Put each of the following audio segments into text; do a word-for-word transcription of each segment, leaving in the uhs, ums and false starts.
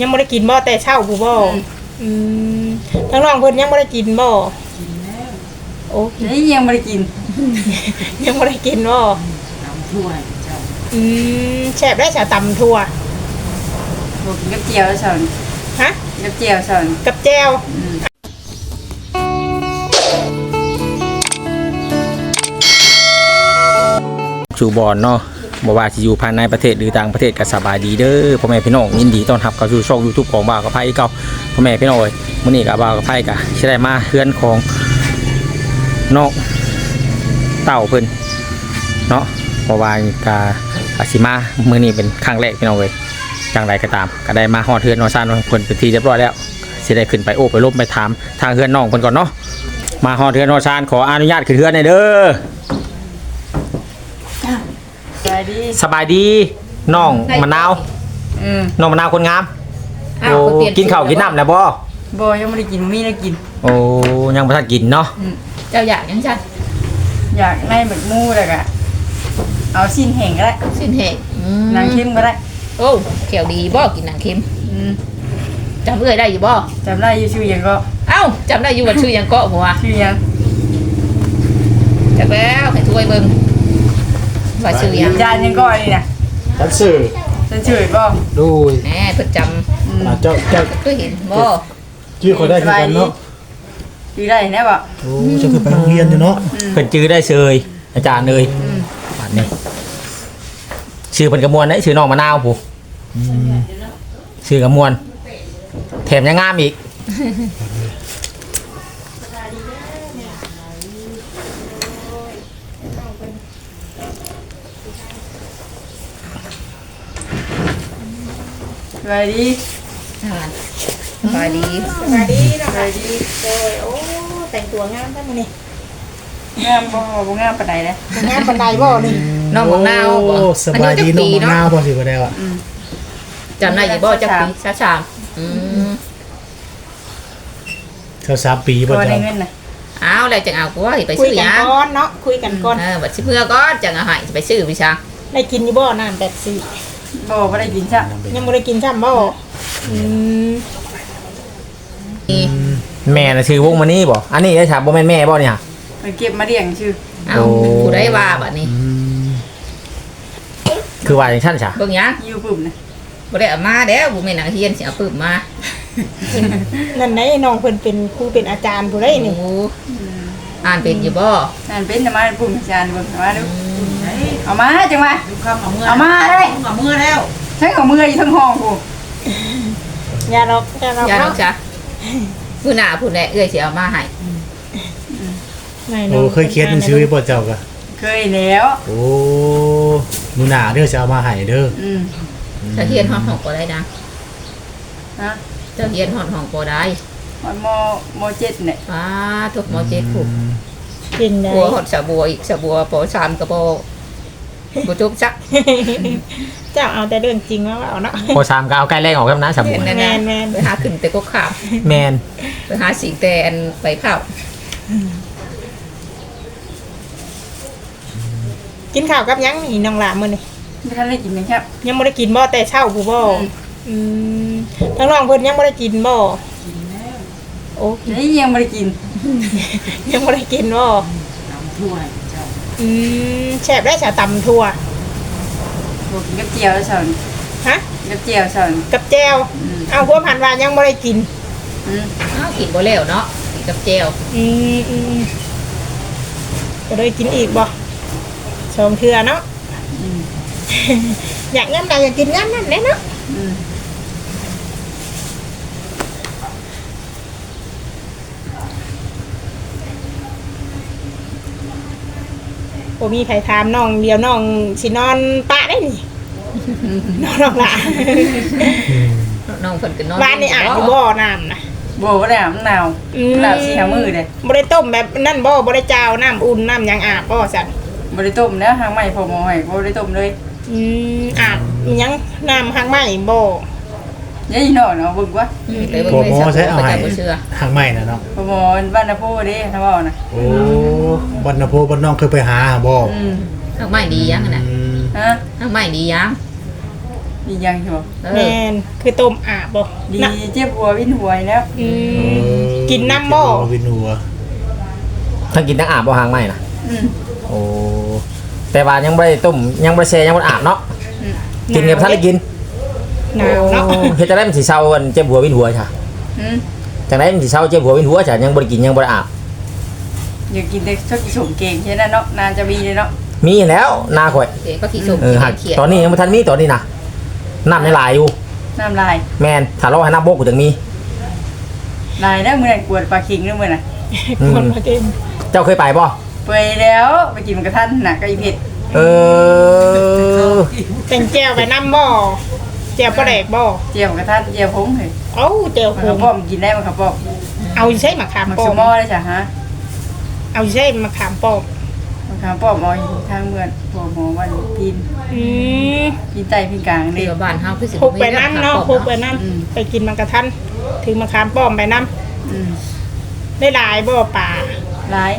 ยังไม่ได้กินบ่แต่เช้าผู้บ่อืมทั้งน้องเพิ่นยังไม่ได้กินบ่กินแล้วโอ้ยยังไม่ได้กินยังไม่ได้กินบ่ตำทั่วเจ้าอืมแซ่บได้ชาตำทั่วบอกกินกับเจียวสอนฮะกับเจียวสอนกับแจ่วสู่บอนเนาะบ่ว่าสิอยู่ภายในประเทศหรือต่างประเทศก็สบายดีเด้อพ่อแม่พี่น้องยินดีต้อนรับเข้าสู่ช่อง YouTube ของบ่าวกับไผเก่าพ่อแม่พี่น้องเอ้ยมื้อนี้ก็บ่าวกับไผก็สิได้มาเฮือนของน้องเต่าเพิ่นเนาะเพราะว่าก็อาสิมามื้อนี้เป็นครั้งแรกพี่น้องเอ้ยจังไดก็ตามก็ได้มาฮอดเฮือนนอนซ่านเพิ่นเป็นที่เรียบร้อยแล้วสิได้ขึ้นไปโอ้ไปลบไปถามทางเฮือนน้องเพิ่นก่อนเนาะมาฮอดเฮือนนอนซ่านขออนุญาตขึ้นเฮือนหน่อยเด้อสบายดีสบายดีน้องมะนาวน้องมะนาวคนงามโอ้กินข้าวกินน้ำนะบ่บ่ยังไม่ได้กินมีได้กินโอ้ยังไม่ทันกินเนาะเจ้าอยากยังชัดอยากในแบบมูเลยกะเอาสิ้นแห้งก็ได้สิ้นแห้งนางเค็มก็ได้โอ้เขียวดีบ่กินนางเค็มจำเอ้ยได้อยู่บ่จำได้อยู่ชื่อยังก็เอ้าจำได้อยู่ว่าชื่อยังก็หัวชื่อยังจักแล้วให้ถ้วยเบิ่งว่าชื่อยังจานยังก็นี่นะฉันสื่อฉันชื่อก็ดูแหมเพิ่นจำเจ้าเจ้าก็เห็นบ่ชื่อเขาได้คือกันเนาะชื่อได้แน่บ่โอ้จะคือไปโรงเรียนอยู่เนาะเพิ่นชื่อได้เชยอาจารย์เลยบัดนี้ชื่อเพิ่นกระมวลได้ชื่อน้องมะนาวผู้ชื่อกระมวลแถมยังงามอีกสบายดีสบายดีสบายดีนะคะโอ้ยโอ้แต่งตัวงามจังมื้อนี้งามบ่บ่งามปานใดเด้งามปานใดบ่นี่น้องมะนาวบ่สบายดีน้องมะนาวบ่สิบ่ได้ว่ะจำได้อยู่บ่จักปีชาชามอืมเขาสามปีบ่จ้ะเงินน่ะอ้าวแล้วจังเอากูว่าสิไปซื้อหยังคุยกันก่อนเนาะคุยกันก่อนเออบัดสิเมื่อก่อนจังเอาให้สิไปซื้อพี่ช้างได้กินอยู่บ่น้ำแบบสี่บ่บ่ได้กินจ้ะยังบ่ได้กินจ้ำบ่อืมแม่น่ะชื่อวงมานี่บ่อันนี้ได้ถามบ่แม่นแม่บ่เนี่ยไปเก็บมาเลี้ยงชื่อเอ้าผู้ใดว่าบัดนี้คือว่าจังซั่นซะเบิ่งหยังอยู่ปึ้มน่ะบ่ได้เอามาแล้วบ่แม่นนักเรียนสิเอาปึ้มมานั่นไหนน้องเพิ่นเป็นครูเป็นอาจารย์ผู้ใดนี่อ่านเป็นอยู่บ่อ่านเป็นแต่มาปึ้มอาจารย์เบิ่งมาดูเอามาจังมาเอามาได้เอามือแล้วใช้เอามืออยู่ทั้งห้องกูอย่าหรอกอย่าหรอกอย่าหรอกจ้ะผู้หน้าผู้แหละเอ้ยสิเอามาให้โอ้เคยเขียนหนังสือบ่เจ้าก็เคยแล้วโอ้มื้อหน้าเด้อสิเอามาให้เด้ออืมจะเรียนฮอดห้องบ่ได้ดังฮะจะเรียนฮอดห้องบ่ได้ฮอดมมเจ็ดเนี่ยอ้าทุกมเจ็ดผูกกินได้บัวฮอดสะบัวอีกสะบัวปอสามก็บ่บ่จบจักเจ้าเอาแต่เรื่องจริงมาเอาเนาะปอสามก็เอาใกล้แรงออกครับนะสะบัวแม่นๆไปหาขึ้นแต่ก็ข้ามแม่นไปหาสิงแต่อันไปเผากินข้าวกับยังนี่น้องหลามื้อนี้ไม่ทันได้กินนะครับยังบ่ได้กินบ่แต่เช้าผู้บ่อืมทั้งน้องเพิ่นยังบ่ได้กินบ่กินแล้วโอ้ยยังบ่ได้กินยังบ่ได้กินบ่ตำทั่วเจ้าอืมแซ่บได้ชาตำทั่วบอกกินกับเจียวสอนฮะกับเจียวสอนกับแจ่วเอาพวกพันว่ายังบ่ได้กินอืมอ้าวกินบ่แล้วเนาะกินกับแจ่วอืมอืมก็ได้กินอีกบ่ชมเทื่อเนาะอยากงั้นใดอยากกินงั้นนั่นแหละเนาะโอ้มีใครถามน้องเดียวน้องสินอนปะได้นี่นอนน้องละน้องเพิ่นก็นอนบ้านนี่อาบอยู่บ่อน้ำนะบ่บ่ได้อาบน้ำน้ำสีหามือเด้บ่ได้ต้มแบบนั่นบ่บ่ได้จาวน้ำอุ่นน้ำยังอาบบ่สั่นบ่ได้ต้มแล้วหางใหม่พอหมอให้บ่ได้ต้มเลยอืมอาบยังน้ำหางใหม่บ่ยายน้อยเนาะเบิ่งว่าพอหมอใช้เอาให้หางใหม่น่ะเนาะพอหมอบ้านนาโพเด้ถ้าเว้านะโอ้บ้านนาโพบ้านน้องเคยไปหาบ่อืมหางใหม่ดียังน่ะฮะหางใหม่ดียังดมียังใช่บ่เอแม่อนคือต้มอาบบ่ดีน่ะเจ็บหัววินหัวแล้วอืมกินน้ำบ่วินหัวทั้งกินทั้งอาบบ่หางไหมนะอืมโอ้แต่ว่ายังบ่ได้ต้มยังบ่ได้แช่ยังบ่ได้อาบเนาะอืมกินกับท่านได้กินหนาวเนาะโอ้เฮ็ดจังได๋มันสิเซาอันเจ็บหัววินหัวจ้ะอืมจังได๋มันสิเซาเจ็บหัววินหัวจ้ะยังบ่ได้กินยังบ่ได้อาบอยากกินแต่ชอบกินสมเก่งใช่ไหมเนาะนานจะมีเลยเนาะมีแล้วนาข่อยเด็กก็ขี่ส่งเออหักเขียนตอนนี้ยังบ่ทันมีตอนนี้นะน้ำในหลายอยู่น้ำลายแม่นถ้ารอให้น้ำบกกูถึงมีลายได้เมื่อไหร่กวดปลาคิงได้เมื่อไหร่อืมคนมาเต็มเจ้าเคยไปบ่เปื่อยแล้วไปกินมันกระทันน่ะก็อีเผ็ดเออแต่งแก้วไปน้ำบ่แก้วปลาแดกบ่เจียวกระทันเจียวพงเลยเอ้าแก้วมันโคกระงป้อมกินได้มันกระป้อมเอาใช่มะขามมันป้อสมมอได้จ้ะฮะเอาใช่มะขามป้อมมันขามป้อมเอาอยู่ทางเมืองหัวหมอวันพินอืมพินใต้พินกลางนี่เดี๋ยวบ้านเฮาคือสิพกไปน้ำเนาะพกไปน้อืมำไปกินมังกรทันถึงมะขามป้อมไปน้อืมำได้หลายบ่ป่าหลาย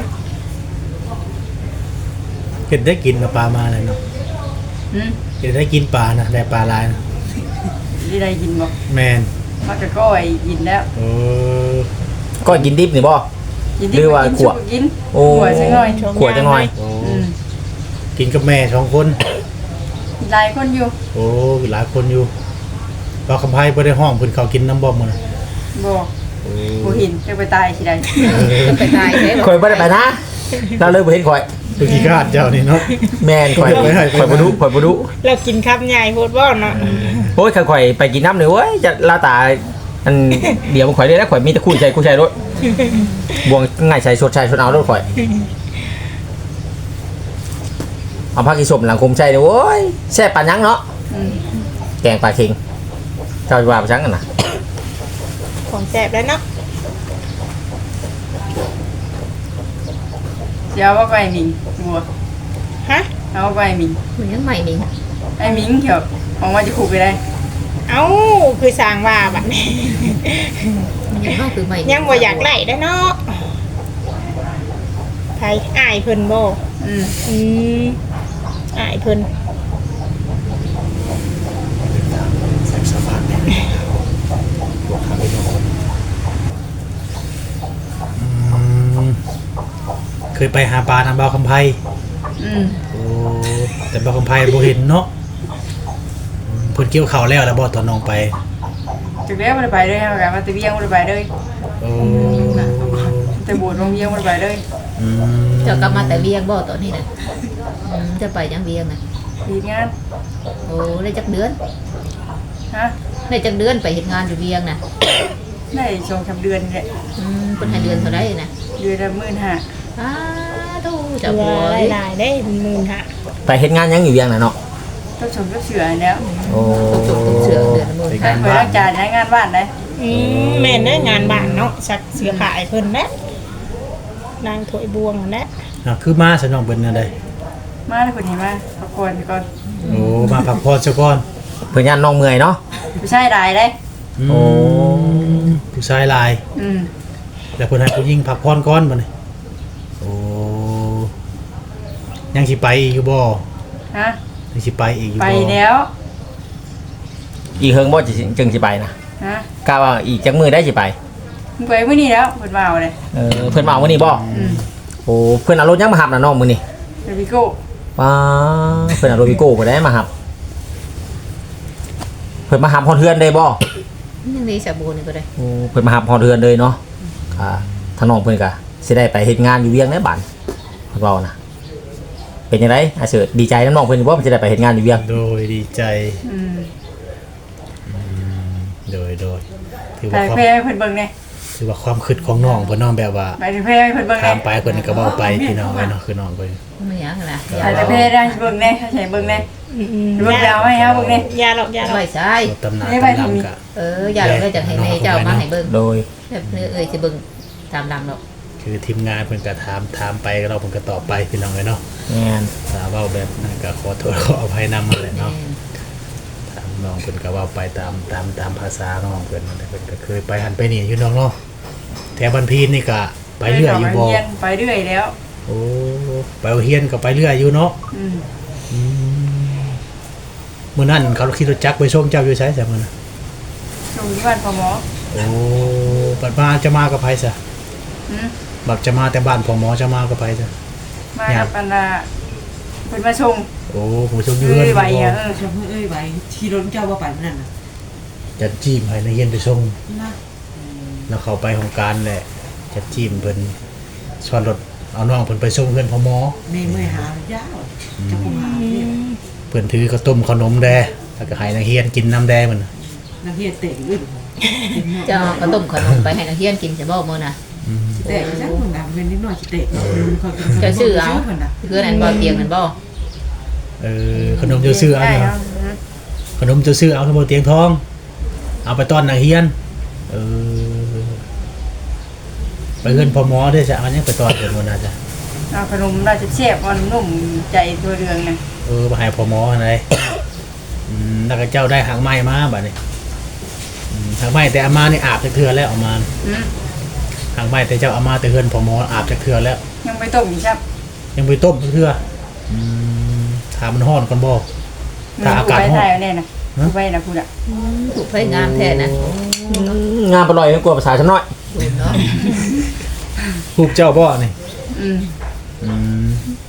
เห็ดได้กินกับปลามาเลยเนาะอืมเห็ดได้กินปลานะได้ปลาลายนะที่ได้กินบ่แมนมันก็ก้อยกินแล้วโอ้ก็กินดิบนี่บ่กินหรือว่ากินขวดชุบกินโอ้ขวดสักหน่อยขวดจังหน่อยโอ้อืมกินกับแม่สองคนหลายคนอยู่โอ้หลายคนอยู่ปลาคำไพ่บ่ได้ห้องเพิ่นเขากินน้ำบ่มมันน่ะบ่โอ้บ่เห็นจะไปตายสิได้ก็ไปตายเด้ข่อยบ่ได้ไปนะเราเลยบ่เห็นข่อยตัวขี้กาดเจ้านี่เนาะแม่นข่อยไปให้ไปให้ข่อยบ่รู้ข่อยบ่รู้เรากินคำใหญ่โพดบ่เนาะโอ้ยข่อยไปกินน้ำเลยเว้ยจะลาตาอันเดี๋ยวมันข่อยได้แล้วข่อยมีแต่คู่ใจคู่ใจรถบวงง่ายใส่ชดใช้ชดเอารถข่อยเอาผักอีสมหลังคมใจเด้อโว้ยแซ่บปานยังเนาะอืมแกงปลาเค็งเจ้าจะว่าไปจังกันนะของแซ่บแล้วเนาะเดี๋ยวว่าไปหมิงบัวฮะเอาไปหมิงมันยังใหม่นี่ไอ้หมิงเดี๋ยวของว่าจะขู่ไปได้เอ้าคือสร้างว่าบัดนี้มันยังเฮาคือใหม่ยังบ่อยากไล่ได้อเนาะไผอ้ายเพิ่นบ่อืมอืมอ้ายเพิ่นใส่สะพานเนี่ยบวกขาไปนอนอืมเคยไปหาปลาทางบ่าวคำไพ่อืมโอ้แต่บ่าวคำไพ่บ่เห็นเนาะอืมเพิ่นเกี่ยวข้าวแล้วแล้วบ่ตอนน้องไปจากแล้วมันไปเลยครับการมาตะเวียงมันไปเลยโอ้แต่บวชโรงเวียงมันไปเลยอืมเจ้ากลับมาแต่เวียงบ่ตอนนี้น่ะอืมจะไปยังเวียงน่ะดีงานโอ้ได้จักเดือนฮะได้จักเดือนไปเฮ็ดงานอยู่เวียงน่ะได้สองสามเดือนนี่แหละอืมเพิ่นให้เดือนเท่าใดน่ะเดือนละหมื่นห้าอ้าทูจะเหลืบ่อได้หลายๆได้หมื่นห้าไปเฮ็ดงานยังอยู่เวียงน่ะเนาะต้องชมต้องเสือแล้วโอ้ตกตกเสือเดือนละหมื่นใครเคยรักจานใช้งานบ้านได้อืมแม่นได้องานบ้านเนาะสักเสือขายเพิ่นแหละนางถวยบวงนั่นแหละอ่ะคือมาสนองเป็นอะไรมาแล้วคนเห็นมาพักผ่อนก่อนโอ้มาพักผ่อนซะก่อนเพิ่นย่านน้องเมื่อยเนาะไม่ใช่ได้เลยอืมโอ้ผู้ชายหลายอืมแล้วเพิ่นให้ผู้หญิงพักผ่อนก่อนบ่นี่โอ้ยังสิไปอีกอยู่บ่ฮะยังสิไปอีกอยู่ไปบ่แล้วอีเฮิงบ่จิจึงสิไปนะฮะกะว่าอีกจักมื้อได้สิไปมึงไปเมื่อนี้แล้วเพิ่นมาเอาเลยเออเพิ่นมาเอามื้อนี้บ่อืมโอ้เพิ่นเอารถยังมาหับน่ะน้องมื้อนี้เดวิโก้ป้าเพิ่นเอารถวิโก้บ่ได้มาหับเพิ่นมาหับฮอดเฮือนได้บ่ยังมีสาบูนี่ก็ได้โอ้เพิ่นมาหับฮอดเฮือนเลยเนาะอ่าทางน้องเพิ่นก็สิได้ไปเฮ็ดงานอยู่เวียงในบ้านเพิ่นเว้านะเป็นจังไดอาเสิร์ตดีใจนำน้องเพิ่นอยู่บ่เพิ่นจะได้ไปเฮ็ดงานอยู่เวียงโดยดีใจอืมโดยโดยถือไปว่าความเพ่ให้เพิ่นเบิ่งเนี่ยถือว่าความคิดของน้องเพิ่นน้องแบบว่าไปเพ่ให้เพิ่นเบิ่งถาเนี่มยไปเพิ่นก็เว้าไปพี่น้องไว้เนาะคือน้องเพิ่นไม่อยากนะไปแต่เพ่ได้เบิ่งเนี่ยใช่เบิ่งเนี่ยอืมเบิ่งแล้วให้เฮาเบิ่งเนี่ยยาหรอกยาหรอกไว้ใช่รถตำนานไม่ไปตำทำนี่นำกะเอออยากได้จากให้แม่เจ้ามาให้เบิ่งโดยแบบเนื้อเอ้ยสิเบิ่งตามหลังดอกคือทีมงานเพิ่นก็ถามถามไปเราเพิ่นก็ตอบไปพี่น้องไว้เนาะแม่นถ้าเว้าแบบนั้นก็ขอโทษขออภัยนำมาแหละแม่เนาะถามน้องเพิ่นก็เว้าไปตามตามตามภาษาน้องเพิ่นนั่นแหละเพิ่นก็เคยไปหันไปนี่อยู่น้องเนาะแถวบันพีนนี่ก็ไปเรื่อยอยู่บ่เรีนไปเรื่อยแล้วโอ้ไปเอาเฮียนก็ไปเรื่อยอยู่เนาะอืมอืมมื้อนั้นเขาขี่รถจักรไปส่งเจ้าอยู่ไสซะมื้อน่ะส่งที่บ้านพ่อหมอโอ้บัดมาจะมากับไผซะหืมบัดจะมาแต่บ้านพ่อหมอจะมากับไผซะมากับอันน่ะเพิ่นมาส่งโอ้ผู้ชมอยู่เอ้เฮือนยไหวอ่ะเออชมเอ้ยไว้ที่รถเจ้าว่าไปนั่นน่ะจะจิ้มให้นักเรียนไปส่งนะแล้วเข้าไปของการแหละจะจิ้มเพิ่นสอนรถเอาน้องเพิ่นไปส่งเพื่อนพ่อหมอแม่เมื่อยหายาวจะคงหาเนี่ยเพิ่นถือข้าวต้มขนมแดแล้วก็ให้นักเรียนกินน้ำแดมันน่ะนักเรียนเตะอื่นเจ้าก็ต้มขนมไปให้นักเรียนกินจะบ่มื้อน่ะอืมเตะจังคนน่ะเป็นนิดหน่อยสิเตะจะซื้อเอาคนน่ะเพื่อนอันบ่เตียงนั่นบ่เออขนมจะซื้อเอาได้เนาะเอาขนมจะซื้อเอาขนมเตียงทอง เอาไปต้อนนักเรียนเออไปเฮือนพ่อหมอได้จ้ะอันนี้ไปต้อนเพิ่นบ่น่าจะเอาขนมราชเชฟมันนุ่มใจตัวเรืองน่ะเออไปให้พ่อหมออะไรอืมแล้วก็เจ้าได้หางไม้มาบัดนี้อืมหางไม้แต่เอามานี่อาบจักเทื่อแล้วเอามาหืมหางไม้แต่เจ้าเอามาแต่เฮือนพ่อหมออาบจักเทื่อแล้วยังไปต้มอีกครับยังไปต้มจักเทื่ออืมถามมันร้อนก่อนบ่ ถ้าอากาศร้อนไปได้แน่น่ะกูไปน่ะพูดอ่ะถูกไผงามแท้นะงานปล่อยกว่าภาษาฉันน้อยดูเนาะรูปเจ้าบ่นี่อืมอืม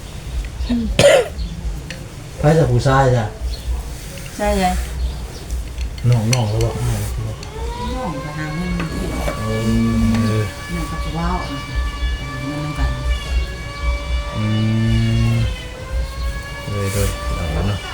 ไผจะผู้ชายจ้ะใช่ไงน้องๆแล้วบ่น้องก็หาเงินที่เออนั่นก็ว้าวเงินกันอืมเลยโดยเอาแล้วเนาะ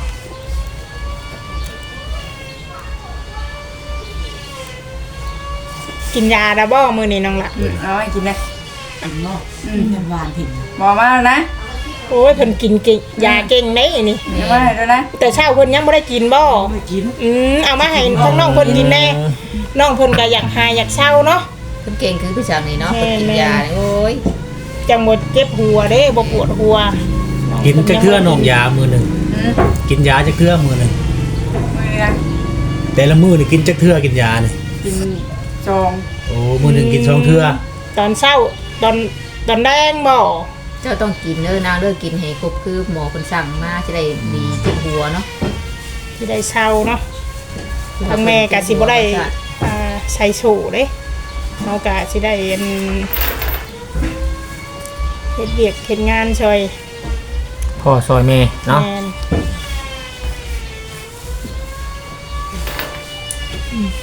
กินยาแล้วบ่มื้อนี้น้องละเอาให้กินเลยกินเนาะเงินหวานถิ่นบอกมาแล้วนะโอ้ยเพิ่นกินเก่งยาเก่งเด้นี่เดี๋ยวมาให้ด้วยนะแต่เช้าเพิ่นยังบ่ได้กินบ่ไม่กินอืมเอามาให้ทั้งน้องเพิ่นกินแน่น้องเพิ่นก็อยากหายอยากเศร้าเนาะเพิ่นเก่งคือพี่จังนี่เนาะเพิ่นกินยานี่โอ้ยจังบ่เจ็บหัวเด้บ่ปวดหัวกินจักเทื่อน้องยามื้อหนึงอืมกินยาจักเทื่อมื้อหนึงมือนะแต่ละมื้อนี่กินจักเทื่อกินยานี่กินจองโอ้มื้อหนึงกินสองเทื่อตอนเช้าตอนตอนแดงบ่เจ้าต้องกินเด้อนางเด้อกินให้ครบคือหมอเพิ่นสั่งมาจะได้ดีเจ็บหัวเนาะสิได้เศร้าเนาะทางแม่ก็สิบ่ได้อ่าใส่สูเด้เฮาก็สิได้อันเฮ็ดเวียกเฮ็ดงานช่วยพ่อซอยแม่เนาะแม่นอืม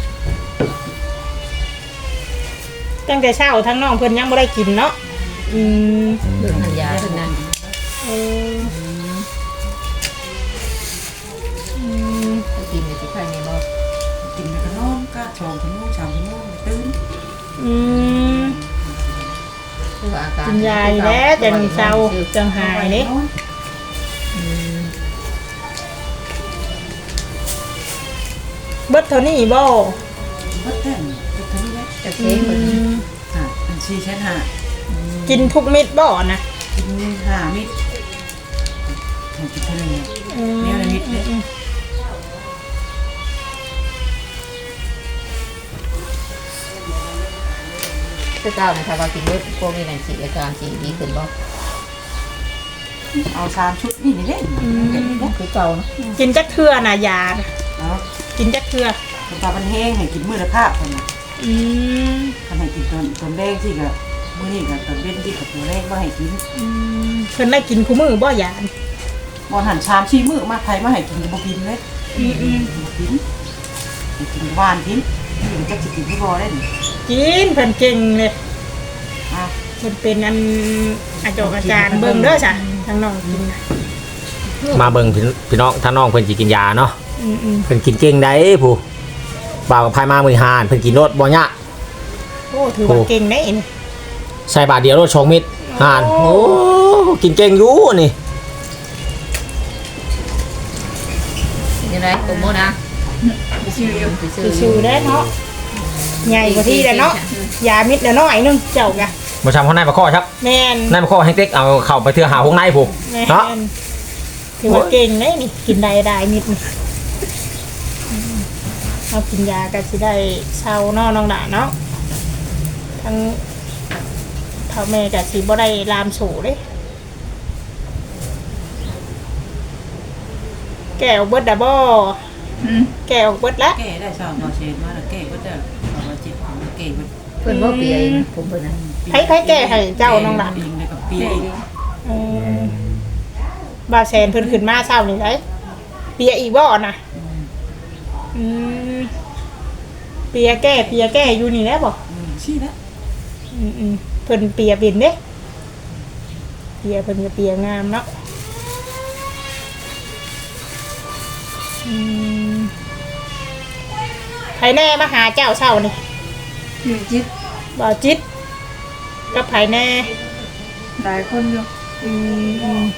ตั้งแต่เช้าทั้งน้องเพิ่นยังบ่ได้กินเนาะอืมเรื่องทานยาเพิ่นนั่นเอออืมถ้ากินนี่สิไผนี่บ่กินแล้วก็นอนก็ชองชั่วโมงสามชั่วโมงตื่นอืมคือว่าอาการกินยาอยู่แล้วจังเศร้าจังหายนี่อืมเบิดเท่านี้บ่ก็แต่งก็ทั้งนี้แหละจะเก่งเพิ่นค่ะอันชีแค่หากินทุกเม็ดบ่นะกินหามิดกินเท่านี้อืมแนวละนิดเลยคือเก่านะคะว่ากินเบิดพวกนี้นั่นสิอาการสิดีขึ้นบ่เอาสามชุดนี่นี่เด้คือเก่าเนาะกินจักเทื่อน่ะยาเนาะกินจักเทื่อตามันแห้งให้กินมื้อละภาพคนน่ะอืมทำให้กินตอนตอนแรกที่ก็มื้อนี้ก็ตอนเว้นที่กับตัวแรกบ่ให้กินอืมเพิ่นได้กินคู่มื้อบ่ยาบ่หันชามชี้มื้อมาไทยมาให้กินก็บ่กินเลยอืมอืมบ่กินให้กินหวานกินนี่มันจะสิกินที่บ่ได้นี่กินเพิ่นเก่งเลยอ่ะเพิ่นเป็นอันอาจารย์อาจารย์เบิ่งเด้อจ้ะทางน้องกินน่ะมาเบิ่งพี่พี่น้องถ้าน้องเพิ่นสิกินยาเนาะอืมอืมเพิ่นกินเก่งได้ผู้บ่าวกับพายมามื้อหานเพิ่นกินรถบ่ยะโอ้ถือว่าเก่งได้นี่ใส่บาทเดียวรถสองเม็ดหานโอ้โอ้กินเก่งอยู่นี่ยังไงผมโมนะชื่ออยู่ไปซื้อสิชื่อได้เนาะใหญ่กว่าที่แล้วเนาะยามิดละน้อยนึงเจ้าก็บ่ชำข้างในบ่ข้อครับแม่นในบ่ข้อให้เต็กเอาเข้าไปเทื่อหาข้างในผู้แม่เนาะนถือว่าเก่งได้นี่กินได้ได้มิดนี่อืมเอากินยาก็สิได้เศร้าเนาะน้องดาเนาะทั้งพ่อแม่ก็สิบ่ได้ลามสู่เด้แก้วเบิดดะบ่อืมแก้วเบิดละแก้ได้สองต่อเชนมาแล้วแก้ก็จะเอามาจิตของแก้ก็เพิ่นบ่เปียเองผมเพิ่นน่ะไผไผแก้ให้เจ้าน้องหลานปีงเลยกับปีงเออบ่าวแซนเพิ่นขึ้นมาเช้านี่ได้เปียอีกบ่น่ะอืมเปียแก้เปียแก้อยู่นี่แหละบ่ชี้แล้วอืมอืมเพิ่นเปียเป็นเด้เปียเพิ่นก็เปียงามเนาะอืมไผแน่มาหาเจ้าเช้านี่อยู่จิตบ่าวจิตกับไผแน่หลายคนอยู่อืมอืม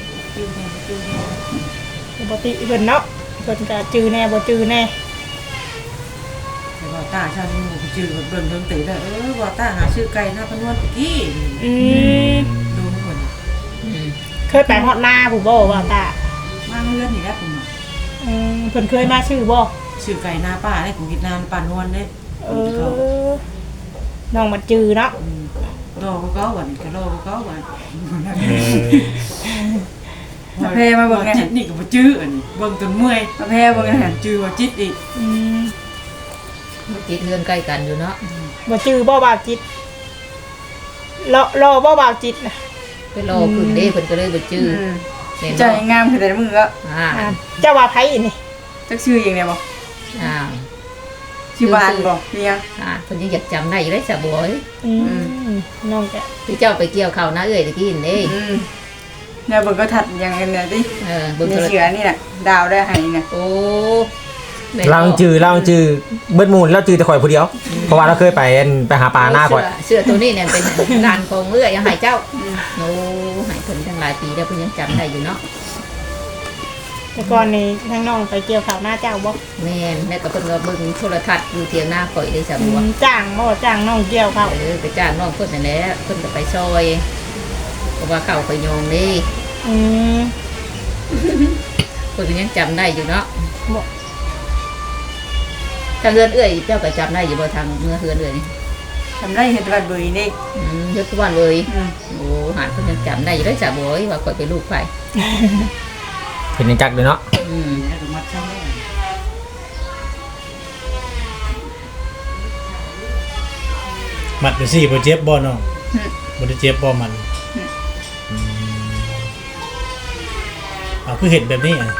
ปกติเพิ่นเนาะเพิ่นก็จื้อแน่บ่จื้อแน่แต่ว่าตาชาติมูจืดแบบเบิ่งเบิ่งตื่นแล้วเออว่าตาหาชื่อไก่หน้าพนวนตะกี้อืมดูเหมือนอืมเคยไปฮอดนาผู้บ่ว่าตามาเลื่อนนี่แหละผมอืมเพิ่นเคยมาชื่อบ่ชื่อไก่หน้าป้าได้ของกินนานป่านวลเด้เออน้องมาจื้อเนาะรอก็วันก็รอก็วันมาแพมาเบิ่งไงจิตนี่ก็บ่จื้ออันนี้เบิ่งจนเมื่อยมาแพเบิ่งไงจื้อว่าจิตอีกอืมจิตเรือนใกล้กันอยู่เนาะบ่จื้อบ่บ่าวจิตรอรอบ่บ่าวจิตนะไปรอขึ้นเด้เพิ่นก็เลยบ่จื้ออืมแม่นใจบ่งามคือแต่มือก็อ่าอ่าเจ้าว่าไผอีนี่จักชื่อเองเนี่ยบ่อ่าชื่อบ้านบ่เมียอ่าเพิ่นยังอยากจำได้อยู่ได้สะบอยอืมน้องก็ที่เจ้าไปเกี่ยวข้าวนะเอ้ยตะกี้นี่อืมเนี่ยเบิ่งก็ถัดอย่างนั้นเนี่ยดิเออเบิ่งมีโทรเสือนี่น่ะดาวได้ให้น่ะโอ้แม่นเราจื้อเราจื้อเบิดหมู่แล้วจื้อแต่ข่อยผู้เดียวเพราะว่าเราเคยไปอันไปหาปลาหน้าข่อยเสื้อตัวนี้เนี่ยเป็นงานของเอื้อยังให้เจ้าโอ้ให้เพิ่นตั้งหลายปีแล้วเพิ่นยังจำได้อยู่เนาะแต่ก่อนนี่ทั้งน้องไปเกี่ยวข้าวหน้าเจ้าบ่แม่นแล้วก็เพิ่นก็เบิ่งโทรทัศน์อยู่เถียงหน้าข่อยได้สะอืบัวมจ้างบ่จ้างน้องเกี่ยวข้าวเออไปจ้างน้องเพิ่นนั่นแหละเพิ่นก็ไปซอยเพราะว่าเข้าไปโยงนี่อืมเพิ่นก็ยังจำได้อยู่เนาะบ่ทางเฮือนเอื้อยเจ้าก็จำได้อยู่บ่ทางเมื่อเฮือนเอื้อยนี่ทำได้เฮ็ดวัดบุรีนี่อืมยกทุกวันเลยอืมโอ้หาเพิ่นยังจำได้อยู่ได้สะบัวว่าข่อยเป็นลูกไผเห็นในจักเลยเนาะอืมแล้วก็มัดช่างได้มัดไปสิบ่เจ็บบ่น้องบ่ได้เจ็บบ่มันอืมเอาคือเห็นแบบนี้อ่ะ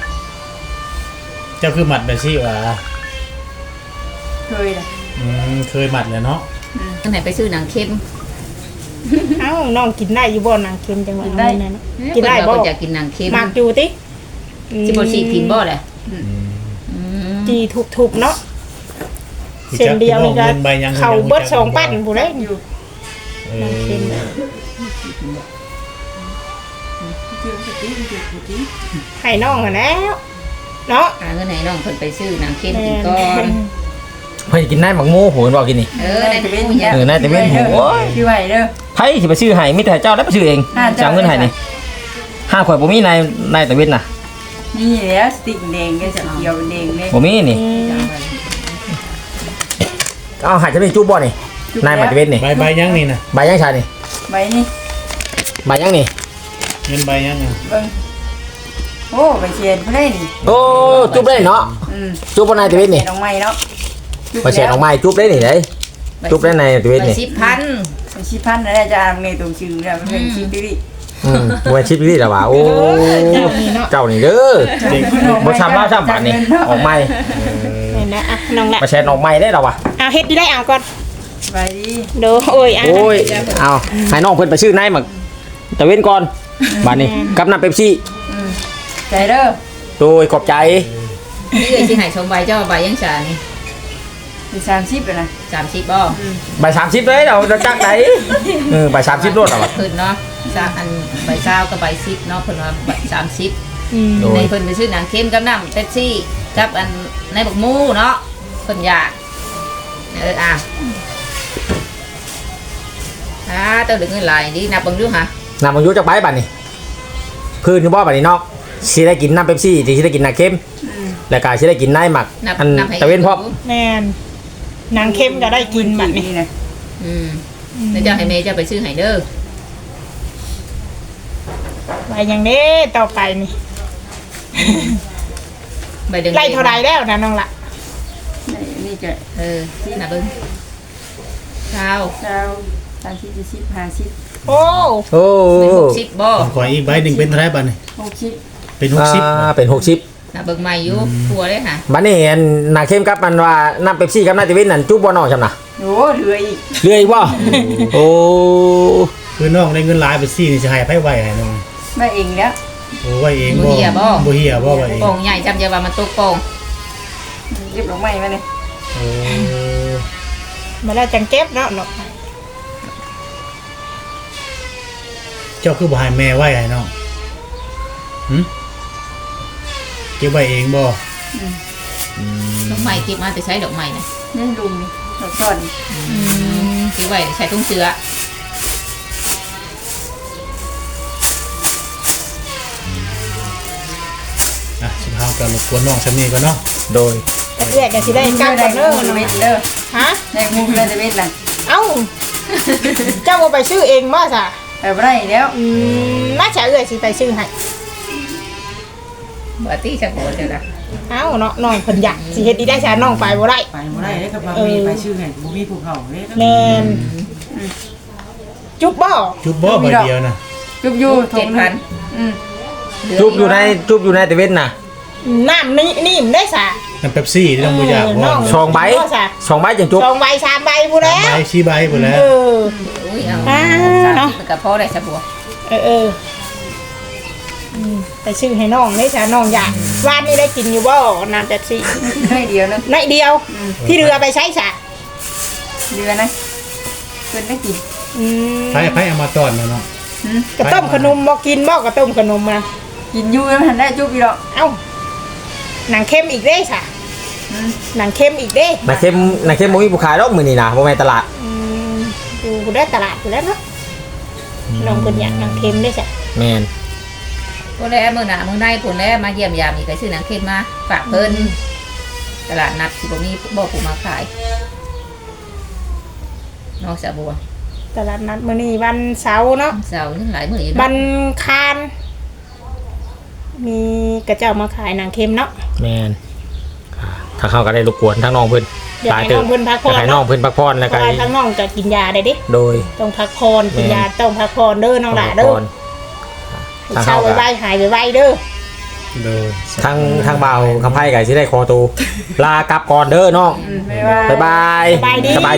เจ้าคือมัดแบบสิว่าเคยน่ะอืมเคยมัดแล้วเนาะจังไหนไปซื้อหนังเค็มเอ้าน้องกินได้อยู่บ่นางเค็มจังหวะนั้นน่ะเนาะเอ้ยกินได้เพิ่บ่ว่าเพิ่นอยากกินหนังเค็มมากอยู่ติสิบ่ฉีกทิมบ่แหละอืมอืมจีทุบๆเนาะเส้นเดียวนี่ก็เงินใบยังเข้าเบิดสองปั้นผู้ใดอยู่เอน้องเค็มอจื้อสติจื้อสติให้น้องหั่นแล้วเนาะหาเงินให้น้องเพิ่นไปซื้อหนังเค็มกินก่อนเพิ่นกินได้หมักหมูโหนบอกกินนี่เออในจะตะเป็นเวนอย่างเออน่าจะเป็นหัวชื่อไว้เด้อไผสิไปซื้อให้มีแต่เจ้าแล้วไปซื้อเองอ่าเจ้าจะเอาเงินให้นี่ห้าข่อยบ่มีนายนายตะเวนน่ะนี่แหละสติ๊กแดงก็จะเกี่ยวแดงเลยบ่มีนี่อืมเอาหาจะเป็นจุบบ่นี่นายมาตะเวนนี่ใบใบยังนี่นะใบยังชานี่ใบนี่ใบยังนี่เงินใบยังอ่ะเบิ่งโอ้ใบเชียนบ่ได้นี่โอ้จุบได้เนาะอืมจุบบ่นายตะเวนนี่น้องใหม่เนาะบ่แช่ออกไม้จุบได้นี่เด้จุบได้ในตะเวนนี่สิบพันเป็นชิพันนะอาจารย์ในตรงชื่อเนี่ยมันเป็นชิปดิอืมบ่ชิปนี่ล่ะว่าโอ้เจ้านี่เด้อเด็กบ่ช้ำลาช้ำบาดนี่ออกไม้นี่นะอ่ะน้องละมาแชร์ออกไม้ได้แล้วว่ะเอาเฮ็ดได้เอาก่อนใบดีโดโอ้ยอ่ะโอ้ยเอาให้น้องเพิ่นไปซื้อนายหมักตะเวนก่อนบาดนี้กับน้ำเป๊ปซี่อืมใจเด้อโดยขอบใจนี่เอ้ยสิให้ชมใบเจ้าใบยังชานี่มีสามสิบเลยนะสามสิบบ่ใบสามสิบเลยเราเราจักไหนเออใบสามสิบโลดอ่ะวะเพิ่นเนาะซาอันใบเช้ากับใบสิบเนาะเพิ่นว่าใบสามสิบอืมโดยในเพิ่นไปซื้อหนังเค็มกับน้ำเป๊ปซี่กับอันในบักหมูเนาะเพิ่นอยากเอออ่ะอ่าเต้าดึงเงินหลายดีนับเบิ่งดูหะนำมายุจักใบบัดนี้พื้นคือบ่บัดนี้เนาะสิได้กินน้ำเป๊ปซี่สิได้กินน้ำเค็มอืมแล้วก็สิได้กินนายหมักนับอันนับให้ตะเวนพร้อมแม่นนางเค็มก็ได้กินบัดนี้นี่นะอืมแล้วเจ้าให้แม่เจ้าไปซื้อให้เด้อไปอย่างนี้ต่อไปนี่ใบเดืองไล่เท่าไรแล้วนะน้องละนี่จะเออน่ะเบิ่งเช้าเช้าสามสิบสี่สิบห้าสิบโอ้โอ้เป็นหกสิบบ่ของข่อยอีกใบหนึ่งเป็นเท่าไหรบ้านนี่หกสิบเป็นหกสิบอ่าเป็นหกสิบน่ะเบิ่งใหม่อยู่ทัวเลยค่ะบัดนี้อันนาเข้มกับมันว่าน้ำเป๊ปซี่กับน้ำเตวินนั่นจุ๊บบ่น้องจำนะโอ้เหลืออีกเรื่อยบ่โอ้คือน้องได้เงินหลายไปซี่นี่จะให้ไผไหวให้น้องมาเองแล้วโอ้ไหวเองบ่บ่เหี่ยบ่บ่เหี่ยบ่ไหวเองโป่งใหญ่จำเยาว่ามันตกโป่งเก็บดอกไม้มาเลยโอ้มาแล้วจังเก็บเนาะเนาะเจ้าคือบ่ให้แม่ไหวให้น้องหึเก็บไว้เองบ่ดอกไม้เก็บมาแต่ใช้ดอกไม้นะนี่ลุงนี่ดอกซ่อนเก็บไว้ใช้ตุ้งเสืออ่ะสิพากันรบกวนน้องซำนี้ก่อนเนาะโดยแต่เอื้อยก็สิได้กลับได้ก่อนเด้อมูน้องเม็ดละเด้อฮะได้มูเลยจะเม็ดล่ะเอ้า เจ้าบ่ไปซื้อเองบ่ซะแต่บ่ได้แล้วอืมน่าจะเอื้อยสิไปซื้อให้บ่ตี้จะบ่เด้อล่ะเอ้าเนาะน้องเพิ่นอยากสิเฮ็ดดีได้ซะน้องไปบ่ได้ไปบ่ได้เด้กับบ่มีไปชื่อให้บ่มีผู้เขาเด้แม่นจุ๊บบ่จุบบ่ใบเดียวนะจุบอยู่เจ็ดพันอืมจุ๊บอยู่ในจุ๊บอยู่ในเตวินน่ะน้ำนี่นิ่มได้ซะน้ำเป๊ปซี่ที่น้องบ่อยากเออบ่น้องสองใบสองใบจังจุ๊บสองใบสามใบพู้นแล้วใบชี้ใบหมดแล้วเอออุ้ยเอาอ่าเนาะมันก็พอได้ซะบ่เออเอออืมไปซื้อให้น้องได้ซะน้องอยากวานนี่ได้กินอยู่บ่น้ำแป๊บซี่ได้เดียวนึงน้อยเดียว ที่เรือไปใช้ซะเดือนนะเพิ่นได้กินอืมไผไผเอามาตอนนะเนาะหืมกระต้มขนมบ่กินบ่กระต้มขนมนะกินอยู่แล้วมันได้จุบอีดอกเอ้าหนังเข้มอีกเด้ซะอืมหนังเข้มอีกเด้นาเข้มนาเข้มบ่มีผู้ขายดอกมื้อนี้นะบ่แม่นตลาดอืมอยู่ได้ตลาดอยู่แล้วเนาะน้องเพิ่นอยากหนังเข้มได้ซะแม่นพวกแลมื้อหน้ามื้อในพุ่นแลมาเยี่ยมยามอีกก็ซื้อหนังเค็มมาฝากเพิ่นตลาดนัดสิบ่มีบ่ผู้มาขายนอกจากบัวตลาดนัดมื้อนี้วันเสาร์เนาะเสาร์ยังหลายมื้ออยู่วัเนาะนคาน มีกระเจ้ามาขายหนังเค็มเนาะแม่นอ่าทางเขาก็ได้รบกวนทั้งน้องเพิ่นอยากให้น้องเพิ่นพักผ่อนอยากให้น้องเพิ่นพักผ่อนเพแล้วก็ราะว่าทั้งน้องจะกินยาได้ดิโดยต้องพักผ่อนกินยาต้องพักผ่อนเด้อน้องหล่าเด้อทางเช้าเขาก็ไว้ๆหายไว้ๆเด้อโดยทางทางบ่าวคำไพ่ก็สิได้คอตูลากลับก่อนเด้อน้องอืมไม่ว่าบ๊ายบายสบายดีสบาย